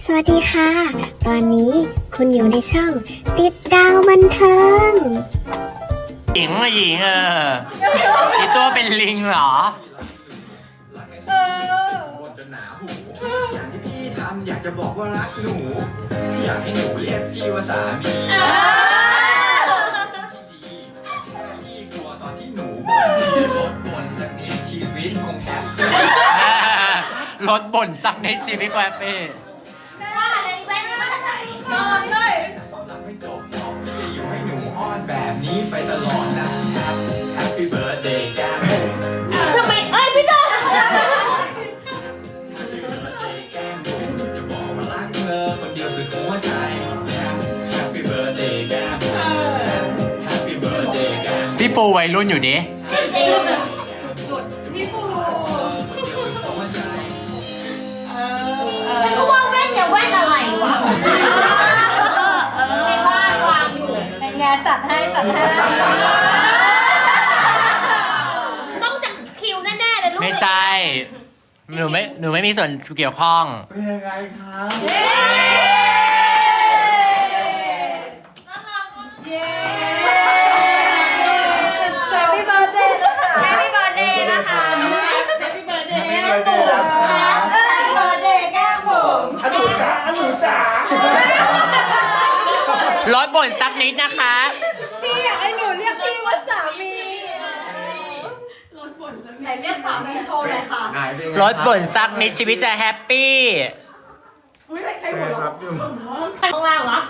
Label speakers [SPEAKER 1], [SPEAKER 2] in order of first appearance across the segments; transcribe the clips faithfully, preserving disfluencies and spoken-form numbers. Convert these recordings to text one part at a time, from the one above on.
[SPEAKER 1] สวัสดีค่ะ ตอนนี้คุณอยู่ในช่องติดดาวบันเทิง
[SPEAKER 2] หญิงมาหญิงเอออีตัวเป็นลิงเหรอ
[SPEAKER 3] บนจนหนาหูอย่างที่พี่ทำอยากจะบอกว่ารักหนูอยากให้หนูเรียกพี่ว่าสามีดีแค่พี่กลัวตอนที่หนูบ่นลดบ่นสักนิดชีวิตคงแฮปปี้
[SPEAKER 2] รถบ่นสักในชีวิตแวบเป้
[SPEAKER 4] ว่าอะไรแว่นมาจากไหน
[SPEAKER 3] นอนเลยตอนหลังไม่จบน้องพี่อยู่ให้หนูอ้อนแบบนี้ไปตลอดนะครับ Happy birthday แก้มบุ๋ม
[SPEAKER 4] ทำไมเอ้ยพี่ต้น
[SPEAKER 3] Happy birthday แก้มบุ๋มจะบอกว่ารักเธอคนเดียวสุดหัวใจ Happy birthday แก้มบุ๋ม Happy birthday แก้มบุ๋ม
[SPEAKER 2] พี่ปูวัยรุ่นอยู่ดิ
[SPEAKER 4] พี่ปูฉันก็ว่าแว่นอย่าแว่นอะไรวะในบ้านวางอยู่
[SPEAKER 5] เป็นไงจัดให้จัดให้
[SPEAKER 4] ต้องจากคิวแน่ๆเลยลูก
[SPEAKER 2] ไม่ใช่ หนูไม่หนูไม่มีส่วนเกี่ยวข้อง
[SPEAKER 3] เป็นยังไงครับ
[SPEAKER 4] น่ารักมาก
[SPEAKER 5] เย้แฮปปี้เบิร์ดเดย์นะคะแฮปปี้เบิร์ดเดย์นะคะแฮปปี้เบิร์ดเดย์แก้มบุ๋มแฮปปี้เบิร์ดเดย์แก้มบุ๋ม
[SPEAKER 3] อนุสาอนุสาร
[SPEAKER 2] ถบ่นสักนิดนะคะ
[SPEAKER 5] พี่อยากให้หนูเรียกพี่ว่าสามีไหนเรียกสามีโชว์หน่อยค่ะ
[SPEAKER 2] รถบ่นสักนิดชีวิตจะแฮปปี้
[SPEAKER 6] ครับพี่บุ๋ม
[SPEAKER 4] ข้างล่างวะ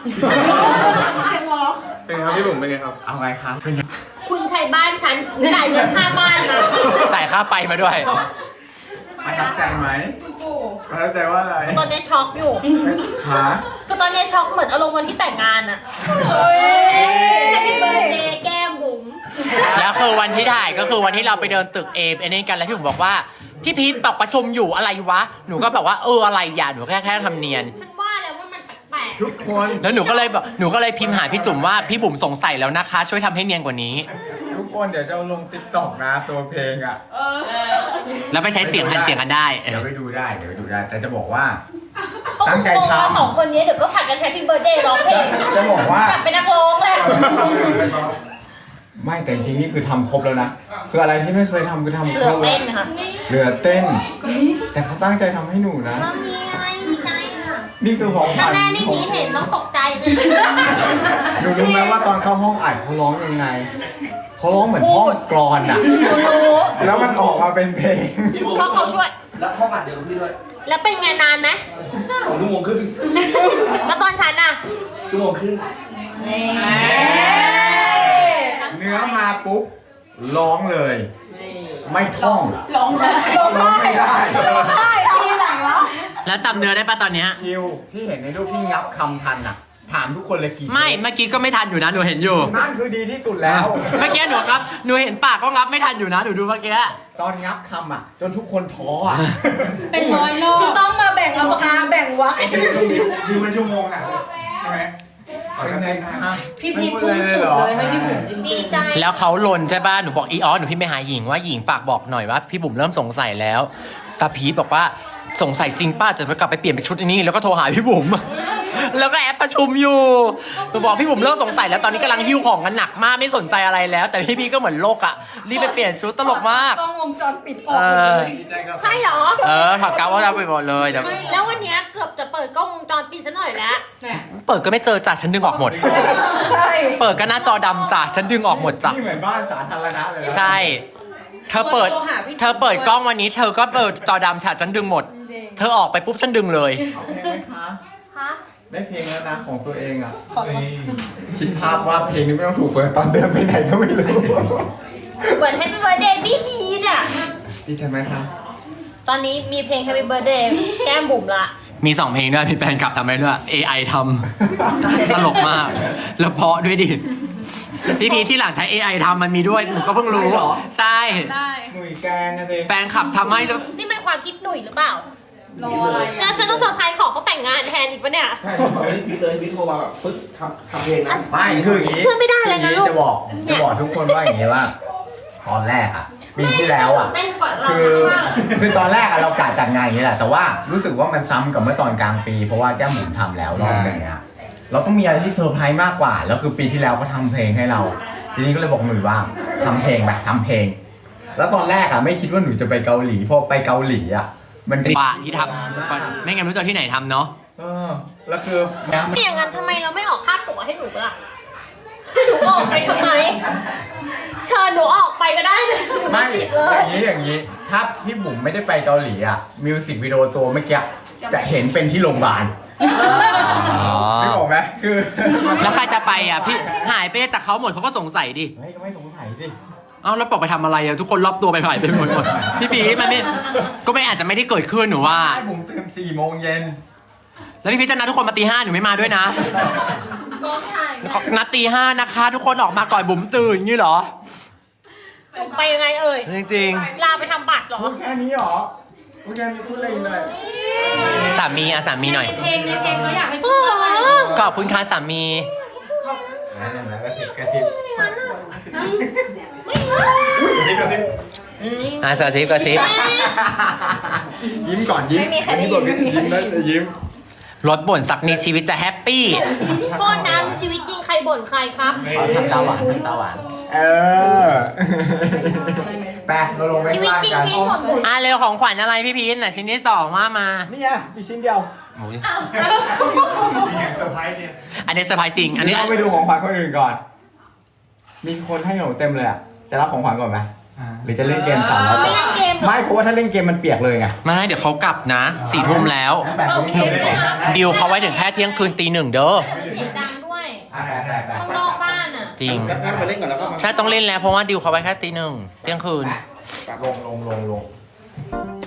[SPEAKER 6] เป็นไงครับพี่บุ๋มเป็นไงครับ
[SPEAKER 3] เอาไงครับ
[SPEAKER 4] คุณใช้บ้านฉันจ่ายเงินค่าบ้านมา
[SPEAKER 2] จ่ายค่าไฟมาด้วย
[SPEAKER 3] ประทับใจไหม
[SPEAKER 6] ประทับใจว่าอะไร
[SPEAKER 4] ตอนนี้ช็อกอยู่
[SPEAKER 6] หา
[SPEAKER 4] คือตอนนี้ช็อกเหมือนอารมณ์วันที่แต่งงานอะแฮปปี้เบิร์ดเดย์แก้มบุ๋ม
[SPEAKER 2] แล้วคือวันที่ถ่ายก็คือวันที่เราไปเดินตึกเอฟเอ็นกันแล้วพี่บุ๋มบอกว่าพี่พีทบอกประชุมอยู่อะไรวะ หนูก็แบบว่าเอออะไรอย่าหนูแค่แค่ทำเนียน
[SPEAKER 4] ฉันว่าแล้วว่ามันแปลก
[SPEAKER 6] ทุกคน
[SPEAKER 2] แล้วหนูก็เลยแบบหนูก็เลยพิมพ์หาพี่จุ๋มว่าพี่บุ๋มสงสัยแล้วนะคะ ช่วยทำให้เนียนกว่านี้
[SPEAKER 6] ทุกคนเดี๋ยวจะเอาลงติ๊กต็อกนะตัวเพลงอ่ะ
[SPEAKER 2] แล้วไปใช้เสียงหันเสียงกันได้
[SPEAKER 6] เดี๋ยวไปดูได้เดี๋ยวไปดูได้ แต่จะบอกว่า
[SPEAKER 4] ๆเขา
[SPEAKER 6] ตั้
[SPEAKER 4] ค
[SPEAKER 6] ง
[SPEAKER 4] ง
[SPEAKER 6] ใจ
[SPEAKER 4] งงว่า
[SPEAKER 6] ทำ
[SPEAKER 4] สองคนนี้เดี๋ยวก็ผัดกันแฮปปี้เบิร์ดเดย์ร้องเพลง
[SPEAKER 6] จะบอกว่า
[SPEAKER 4] กลับเป็นนักร้องเลย
[SPEAKER 6] ไม่แต่จริงๆนี่คือทำครบแล้วนะ คืออะไรที่ไม่เคยทำคือทำ
[SPEAKER 4] เห
[SPEAKER 6] ค
[SPEAKER 4] ลื
[SPEAKER 6] ร
[SPEAKER 4] อบ
[SPEAKER 6] แล้
[SPEAKER 4] เต้
[SPEAKER 6] วน
[SPEAKER 4] นะคะ
[SPEAKER 6] เหลือเต้น แต่เขาตั้งใจทำให้หนูนะ
[SPEAKER 4] ว่ามีอะไรมีใจอ่ะ
[SPEAKER 6] นี่คือของข
[SPEAKER 4] ถ้า
[SPEAKER 6] วัญ
[SPEAKER 4] แม่นี่หนีเห็นต้องตกใจเลย
[SPEAKER 6] หนูรู้ไหมว่าตอนเข้าห้องอัดเขาร้องยังไง เขาร้องเหมือนห้องกรอนอ่ะ แล้วมันออกมาเป็นเพลง
[SPEAKER 4] เพราะเขาช่วย
[SPEAKER 3] แล้วห้องอัดเดียวกับพี่ด้วย
[SPEAKER 4] แล้วเป็นไงนานไหม
[SPEAKER 3] สองชั่วโมงครึ่ง
[SPEAKER 4] แล้วตอนฉันอ่ะ
[SPEAKER 3] ชั่วโมงครึ่ง
[SPEAKER 6] เนื้อมาปุ๊บร้องเลย ไม่ท่อง
[SPEAKER 5] ร้องได้ร้อง
[SPEAKER 6] ร้องไม่ได้
[SPEAKER 5] ได้ที่ไหนวะ
[SPEAKER 2] แล้วจำเนื้อได้ปะตอนเนี้ย
[SPEAKER 6] คิวที่เห็นในรูปที่งับคำทันอ่ะ ถามทุกคนเลยกี่
[SPEAKER 2] ไม่เมื่อกี้ก็ไม่ทันอยู่นะหนูเห็นอยู่
[SPEAKER 6] นั่นคือดีที่สุดแล้ว
[SPEAKER 2] เมื่อกี้หนูครับหนูเห็นปากก็งับไม่ทันอยู่นะหนูดูเมื่อกี้
[SPEAKER 6] ตอนงับคำอ่ะ จนทุกคนท้ออ่ะ
[SPEAKER 5] เป็นร้อยรอบคือต้องมาแบ่งราคาแบ่งวัก
[SPEAKER 6] ดูเป็นชั่วโมงอ่ะใช่ไหมเป็นไงนะ
[SPEAKER 5] พี่พีททุ่มสุดเลยให้พี่บุ๋มจริง
[SPEAKER 4] ดีใจ
[SPEAKER 2] แล้วเขาลนใช่ป่ะหนูบอกอีออสหนูพี่ไปหาหญิงว่าหญิงฝากบอกหน่อยว่าพี่บุ๋มเริ่มสงสัยแล้วตาพีทบอกว่าสงสัยจริงป้าจะกลับไปเปลี่ยนเป็นชุดนี้แล้วก็โทรหาพี่บุ๋ม แล้วก็แอปประชุมอยู่หนูบอกพี่บุ๋มเริ่มสงสัยแล้วตอนนี้กำลังหิ้วของกันหนักมากไม่สนใจอะไรแล้ว แต่พี่พีก็เหมือนโลกอ่ะรีบไปเปลี่ยนชุดตลกมาก
[SPEAKER 5] กล้องวงจรปิดออ
[SPEAKER 2] เอก อ
[SPEAKER 6] ดีใจกับ
[SPEAKER 4] ใช่เหรอ
[SPEAKER 2] เออถอดกาวว่าจะไปหมดเลยแต่
[SPEAKER 4] แล้ววันเนี้ยเกือบจะเปิดกล้องวงจรปิดซะหน่อยแล้ว
[SPEAKER 2] เปิดก็ไม่เจอจ้ะฉันดึงออกหมด
[SPEAKER 5] ใช่
[SPEAKER 2] เปิดก็หน้าจอดำจ้ะฉันดึงออกหมดจ้ะ
[SPEAKER 6] นี่เหมือนบ้านสาธารณะเลยนะ
[SPEAKER 2] ใช่ เธอเปิด เธอเปิดกล้องวันนี้ เธอก็เปิดจอดำฉะฉันดึงหมด เธอออกไปปุ๊บฉันดึงเลย
[SPEAKER 6] เอาเพลงไหมคะ
[SPEAKER 4] ฮะ
[SPEAKER 6] ได้เพลงแล้วนะของตัวเองอ่ะคิดภาพว่าเพลงนี้ไม่ต้องถูกเปิดตอนเดินไปไหนก็ไม่รู้
[SPEAKER 4] เหมือน Happy Birthday พี่พีเนี่ย
[SPEAKER 6] ดีใจไหมคะ
[SPEAKER 4] ตอนนี้มีเพลง Happy Birthday แก้มบุ๋มละ
[SPEAKER 2] มีสองเพลงด้วยมีแฟนคลับทำให้ด้วย เอ ไอ ทำ ตลกมาก แล้วเพราะด้วยดิ พี่พีที่หลังใช้ เอ ไอ ทำมันมีด้วยหนูก็เพิ่งรู้
[SPEAKER 6] เหรอ
[SPEAKER 2] ใช่
[SPEAKER 5] ได้
[SPEAKER 6] หนุ่ยแกงกันเลย
[SPEAKER 2] แฟนคลับทำให้
[SPEAKER 4] นี่เป็นความคิดหนุ่ยหรือเปล่า
[SPEAKER 5] รออะไร
[SPEAKER 4] งั้นฉันต้องเซอร์ไพรส์ขอเขาแต่งงานแทนอีกปะเนี่ย
[SPEAKER 6] ใช่
[SPEAKER 3] เฮ้ยพี่เลยพี่โทรมาแบบปึ๊บทำทำเพลงนะ
[SPEAKER 6] ไม่คืออย่างนี้
[SPEAKER 4] เชื่อไม่ได้เลยนะลูก
[SPEAKER 6] จะบอก
[SPEAKER 4] เนี่
[SPEAKER 6] จะ
[SPEAKER 4] ย
[SPEAKER 6] บอกทุกคนว่าอย่างนี้ว่าตอนแรกอ่ะปีที่แล้วอ่ะ
[SPEAKER 4] เต้นกว่าเรา
[SPEAKER 6] คือ
[SPEAKER 4] มาก
[SPEAKER 6] คือตอนแรกอะเรากะจัดงานอย่างนี้แหละแต่ว่ารู้สึกว่ามันซ้ำกับเมื่อตอนกลางปี เพราะว่าแก้มบุ๋มทำแล้วรอบหนึงอะเราต้องมีอะไรที่เซอร์ไพรส์มากกว่าแล้วคือปีที่แล้วก็ทำเพลงให้เรา ทีนี้ก็เลยบอกหนุ่ยว่าทำเพลงแบบทำเพลง แล้วตอนแรกอะไม่คิดว่าหนุ่ยจะไปเกาหลีเพราะไปเกาหลีอะมันเป็น
[SPEAKER 2] ป่าที่ทำไม่งั้นรู้จะเอาที่ไหนทำเนาะ
[SPEAKER 6] เออแล้วคือน้ำ
[SPEAKER 4] ไม่อย่างนั้นทำไมเราไม่ออกค่าตั๋วให้หนูล่ะให้หนูออกไปทำไม เชิญหนูออกไปก็ได้เลยหนู
[SPEAKER 6] ไม่
[SPEAKER 4] ไม่ติด
[SPEAKER 6] อ
[SPEAKER 4] เลย
[SPEAKER 6] ย่างนี้อย่างนี้ ถ้าพี่บุ๋มไม่ได้ไปเกาหลีอะมิวสิกวิดีโอตัวเมื่อกี้จะเห็นเป็นที่โรงพยาบาล
[SPEAKER 2] อ๋อ
[SPEAKER 6] ไม่บอกไหมคือ
[SPEAKER 2] แล้วใครจะไปอ่ะพี่หายไปจากเขาหมดเขาก็สงสัยดิ
[SPEAKER 6] เฮ้ยก็ไม่สงสัยดิ
[SPEAKER 2] เอ้าแล้วบอกไปทำอะไรอะทุกคนรอบตัวไปหายไปหมดหมดพี่พีชมันไม่ก็ไม่อาจจะไม่ได้เกิดขึ้นหนูว่า
[SPEAKER 6] ให้บุ๋มตื่นสี่โมงเย็น
[SPEAKER 2] แล้วพี่พีชจะนัดทุกคนมาตีห้าหนูไม่มาด้วยนะ
[SPEAKER 4] กองถ่าย
[SPEAKER 2] นัดตีห้านะคะ ทุกคนออกมาก่อนบุ๋มตื่นงี้เหรอ
[SPEAKER 4] จุ่มไปยังไงเอ่ย
[SPEAKER 2] จริง
[SPEAKER 4] ลาไปทำบัตรเหรอ
[SPEAKER 6] พูดแค่นี้เหรอพูดแค่นี้พูดอะไรอีกเลย
[SPEAKER 2] ๆสามีอะสามีหน่อย
[SPEAKER 5] เพลงในเพลงเขาอยากให้พูดอะไร
[SPEAKER 2] ขอบคุณค่ะสามี
[SPEAKER 6] นั่นแหละกระติบกระติบ
[SPEAKER 4] ไม่รู้
[SPEAKER 2] อ่ะสาซิบกระซิบ
[SPEAKER 6] ยิ้มก่อนยิ้ม
[SPEAKER 5] ไม่มีใครได้ยิน
[SPEAKER 6] ก่อนยิ้มแล้วยิ้ม
[SPEAKER 2] รถบ่นสักนิดชีวิตจะแฮปปี้
[SPEAKER 4] โทษนะชีวิตจริงใครบ่นใครครับ
[SPEAKER 6] ขอทำตาหวานทำตาหวานเออไปเราลงไป
[SPEAKER 4] ชีวิต
[SPEAKER 6] ข้าง
[SPEAKER 4] จริง
[SPEAKER 6] ล่างกัน
[SPEAKER 4] พี่บ่นบ่น
[SPEAKER 2] อ่ะเร็วของขวัญอะไรพี่พีชน่ะชิ้นที่สองว่ามา
[SPEAKER 6] นี่ไงมีชิ้นเดียว
[SPEAKER 2] โอ้ย
[SPEAKER 3] เซอร์ไพรส์เนี่ย
[SPEAKER 2] อันนี้เซอร์ไพรส์จริง อันนี้
[SPEAKER 6] เราไปดูของขวัญคนอื่นก่อน มีคนให้หนูเต็มเลยอะจะรับของขวัญก่อนไหมหรือจะเล่นเกมสามแล้ว
[SPEAKER 4] ไม่เล่นเกมเหรอ
[SPEAKER 6] ไม่เพราะว่าถ้าเล่นเกมมันเปียกเลยไง
[SPEAKER 2] ไม่เดี๋ยวเขากลับนะสี่ทุ่มแล้ว
[SPEAKER 6] แปะตรงนี้เลย
[SPEAKER 2] ดิวเขาไว้ถึงแค่เที่ยงคืนตีหนึ่งเด้อ
[SPEAKER 4] เสียงดังด้วย
[SPEAKER 6] แปะแปะแปะ
[SPEAKER 4] ข้างนอกบ้านอ่ะ
[SPEAKER 2] จริง
[SPEAKER 3] งั้นไปเล่นก่อนแล้วก็มา
[SPEAKER 2] ใช่ต้องเล่นแล้วเพราะว่าดิวเขาไว้แค่ตีหนึ่งเที่ยงคืน
[SPEAKER 6] ลงลงลงลง